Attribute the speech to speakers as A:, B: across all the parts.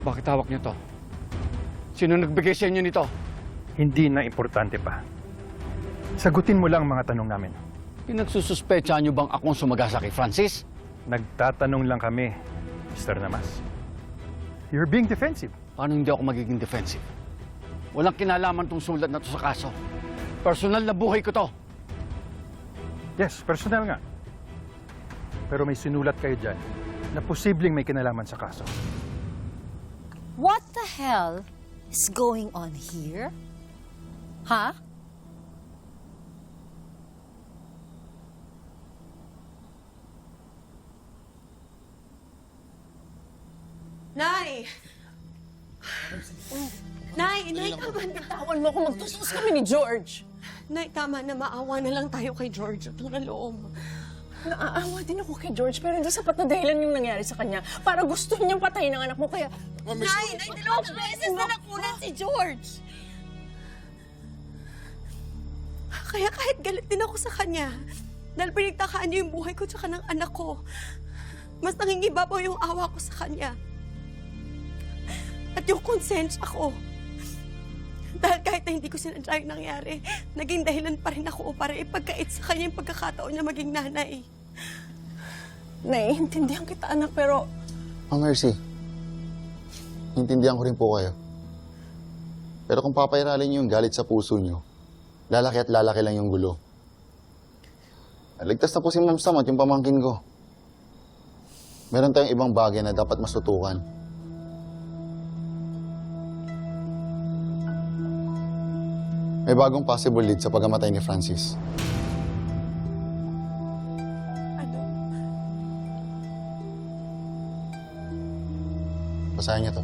A: Bakit hawak niyo to? Sino nagbigay sa inyo nito?
B: Hindi na importante pa. Sagutin mo lang ang mga tanong namin.
A: Pinagsususpetsahan niyo bang akong sumagasa kay Francis?
B: Nagtatanong lang kami, Mr. Namas. You're being defensive.
A: Paano hindi ako magiging defensive? Walang kinalaman tong sulat na to sa kaso. Personal na buhay ko to.
B: Yes, personal nga. Pero may sinulat kayo dyan na posibleng may kinalaman sa kaso.
C: What the hell is going on here? Huh?
D: Nay! Nay, tama na.
E: Tawan mo kung magtustos kami ni George.
D: Nay, tama na. Maawa na lang tayo kay George. Ito na loob.
E: Naaawa din ako kay George, pero hindi sapat na dahilan yung nangyari sa kanya para gusto niyang patayin ang anak mo, kaya...
D: Nay, dalawang beses na nakunan si George. Kaya kahit galit din ako sa kanya, dahil pinagtakaan niya yung buhay ko tsaka ng anak ko, mas nangingiba po yung awa ko sa kanya. At yung konsensya ko. Dahil kahit na hindi ko sinadya yung nangyari, naging dahilan pa rin ako para ipagkait sa kanya yung pagkakataon niya maging nanay.
E: Naiintindihan kita, anak, pero...
F: Ma'am Mercy, intindihan ko rin po kayo. Pero kung papairalin niyo yung galit sa puso niyo, lalaki at lalaki lang yung gulo. Ligtas na po si Ma'am Sam at yung pamangkin ko. Meron tayong ibang bagay na dapat masutukan. May bagong possible lead sa pagkamatay ni Francis.
D: Ano?
F: Basahin niyo to.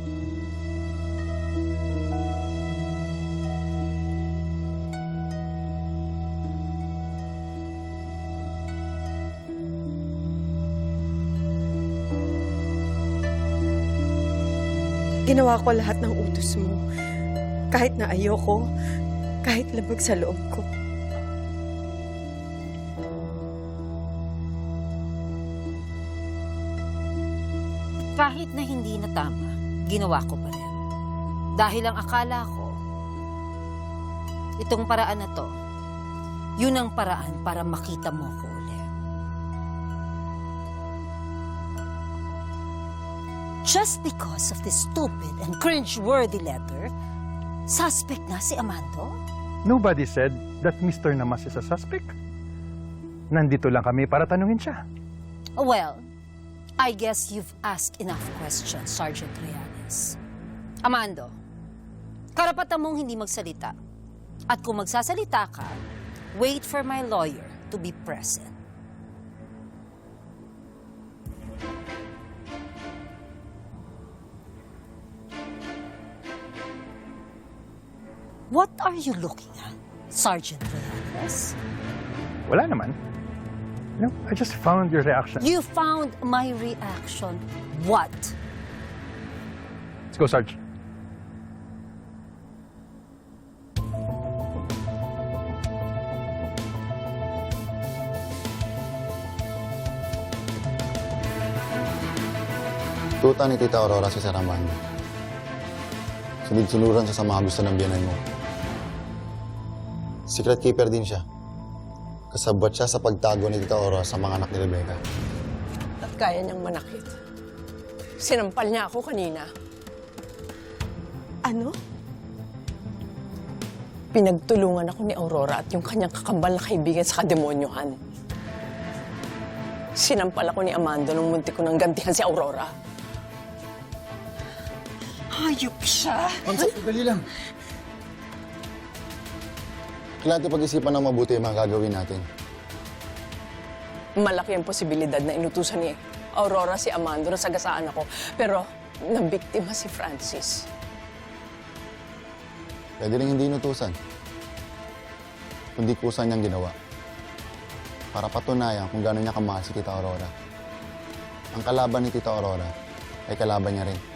D: Ginawa ko lahat ng utos mo. Kahit na ayoko, kahit labag sa loob ko.
C: Kahit na hindi na tama, ginawa ko pa rin. Dahil ang akala ko, itong paraan na to, yun ang paraan para makita mo ko ulit. Just because of this stupid and cringe-worthy letter, suspect na si Amando?
B: Nobody said that Mr. Namas is a suspect. Nandito lang kami para tanungin siya.
C: Well, I guess you've asked enough questions, Sergeant Reales. Amando, karapatan mong hindi magsalita. At kung magsasalita ka, wait for my lawyer to be present. What are you looking at, Sergeant Reales?
B: Wala naman. No, I just found your reaction.
C: You found my reaction. What?
B: Let's go, Sarge.
F: Tuta ni Tita Aurora si Sir Armando. Sunod-sunuran siya sa mga gusto ng biyanan mo. Secret keeper din siya. Kasabot siya sa pagtago ni Tita Aurora sa mga anak ni Rebecca.
E: At kaya niyang manakit. Sinampal niya ako kanina.
D: Ano?
E: Pinagtulungan ako ni Aurora at yung kanyang kakambal na kaibigan sa kademonyohan. Sinampal ako ni Amando nung muntik ko nang gantihan si Aurora.
D: Hayop siya!
F: Ma'am, dali lang. Kailangan pag-isipan ng mabuti yung mga gagawin natin.
E: Malaki ang posibilidad na inutusan ni Aurora si Amando na sagasaan ako. Pero nabiktima si Francis.
F: Pwede rin hindi inutusan. Kundi kusan niyang ginawa. Para patunayan kung gano'n niya kamahal si Tita Aurora. Ang kalaban ni Tita Aurora ay kalaban niya rin.